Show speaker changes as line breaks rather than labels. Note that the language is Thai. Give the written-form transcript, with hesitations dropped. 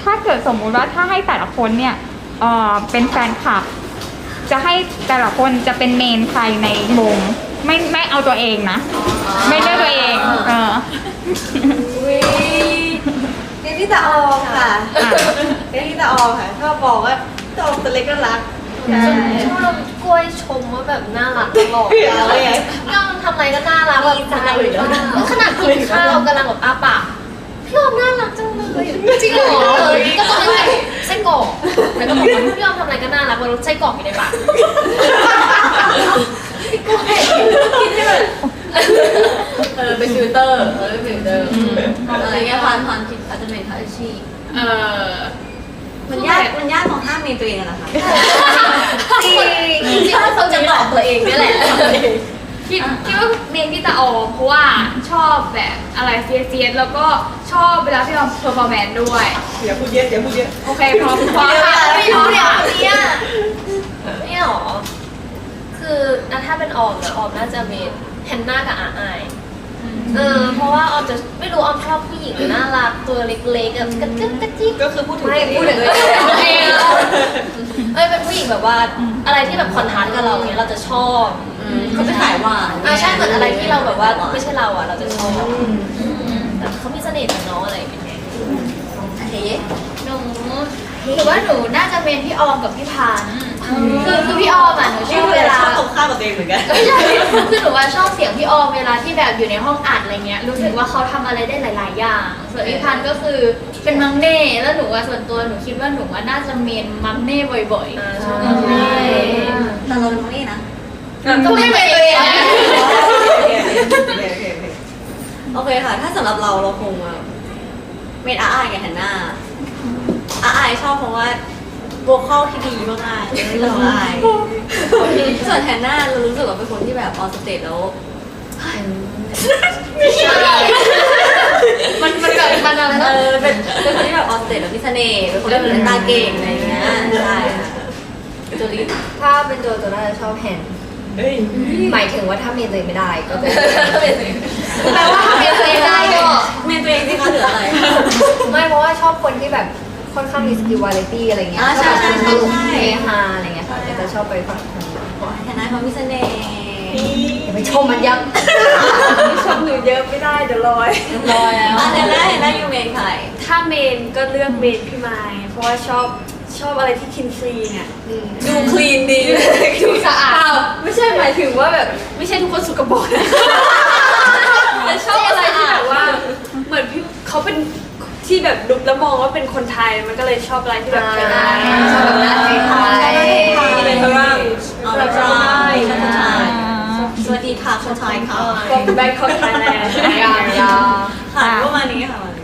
ถ้าเกิดสมมุติว่าถ้าให้แต่ละคนเนี่ยเป็นแฟนคลับ จะให้แต่ละคนจะเป็นเมนใครในวงไม่เอาตัวเองนะ ไม่เลือกตัวเอง
เรียนที่ตาออมค่ะเรียนที่ตาออมค่ะชอบบอกว่าตาออมตัวเล็กก็รัก
ชอบกล้วยชมว่าแบบน่ารักตลอดเลยพี่ออมทำอะไรก็น่ารักแบบขนาดกินข้าวกำลังแบบอ้าปากพี่ออมน่ารักจังเลยจริงเหรอก็ตอนนั้นแบบไส้กรอกแล้วก็บอกว่าพี่ออมทำอะไรก็น่ารักว่ารสไส้กรอกอยู่ในปากพี่กล้วยกินให้แบบ
เป็นฟิลเตอร์เป็นฟิลเตอร์อะไรเงี้ยความคิดอาจจะเป็นอาชีพมันยากของห้ามเมนตัวเองอะนะคะ
จริงว่าเขาจะตอบตัวเองนี่แหละคิดว่าเมนพี่ตาออมเพราะว่าชอบแบบอะไรเฟียสแล้วก็ชอบเวลาพี่ออมเพอร์ฟอร์แมนซ์ด้วย
อย่าพูดเยอะ
โอเคพร้อมค่ะไม่รู้เนี่ยนี่หรอคือถ้าเป็นออมนะออมน่าจะเมนแฮนนากับอาไอเพราะว่าออมจะไม่รู้ออมชอบผู้หญิงน่ารักตัวเล็กๆแบบกระจิ๊ก
ก็คือพูดถึง
ไม่พูดถึงเลยเป็นผู้หญิงแบบว่าอะไรที่แบบคอนทราสต์กับเราเนี่ยเราจะชอบ
เขาจะขายหวาน
ใช่เหมือนอะไรที่เราแบบว่าไม่ใช่เราเราจะชอบแต่เขามีเสน่ห์ของน้องอะไรเป็นไงหนูหรือว่าหนูน่าจะเป็นพี่ออมกับพี่พานคือพี่ออมหนูชอบเวลา
ตรงข้ามกับตัวเองเหมือนกัน
ไม่ใช่คือหนูว่าชอบเสียงพี่ออมเวลาที่แบบอยู่ในห้องอัดอะไรเงี้ยรู้สึกว่าเขาทำอะไรได้หลายๆอย่างส่วนพี่พันก็คือเป็นมังเน่แล้วหนูว่าส่วนตัวหนูคิดว่าหนูว่าน่าจะเมนมังเน่บ่อยๆใช่
แต่เราเป็นมังเน่นะ
ก็ไม่เป็นตัวเอง
โอเคค่ะถ้าสำหรับเราคงเมนอาไอกับแฮนนาอาไอชอบเพราะว่าโวคอลที่ดีมากๆเราอาไอส่วนแฮนนาเรารู้สึกว่าเป็นคนที่แบบออนสเตจแล้ว
ไม่ใช่มันแบบมันอะไรนะ
เป็นคนที่แบบออนสเตจแล้วมีเสน่ห์เป็นคนที่เป็นตาเก่งอะไรอย่างเงี้ยใช่โจลี่
ถ้าเป็นตัวน่าจะชอบแฮนหมายถึงว่าถ้าเมนตัวเองไม่ได้ก็จะแปลว่าถ้าเมนตัวเองได้ก็
เมนตัวเองที่เขาเหลืออะไร
ไม่เพราะว่าชอบคนที่แบบค่อนข้างมีสกิลวาไรตี้อะไรเงี้ย
ใช่
เฮฮาอะไรเงี้ยค่ะจะชอบไปฝั่งนี้
แฮนนาเขามีเสน่ห์
ไปชมมันยับ
ชมหนูเยอะไม่ได้เดี๋ยวลอยแล้วแฮนนาอยู่เมนใคร
ถ้าเมนก็เลือกเมนพี่ไม้เพราะว่าชอบอะไรที่คินคลีนเนี่ย
ดูคลีนดี
ดูสะอาด
ไม่ใช่หมายถึงว่าแบบไม่ใช่ทุกคนสุกปรกแต่ชอบอะไรที่แบบว่าเหมือนพี่เขาเป็นที่แบบดูแล้วมองว่าเป็นคนไทยมันก็เลยชอบอะไรที่แบบเป็น
ชอบแบบหน้าไทย
เป็นฝรั่งแบบไทยสวัสดีค่ะคนไทยค่ะ
from Bangkok Thailand
ค่ะประมาณนี้ค่ะ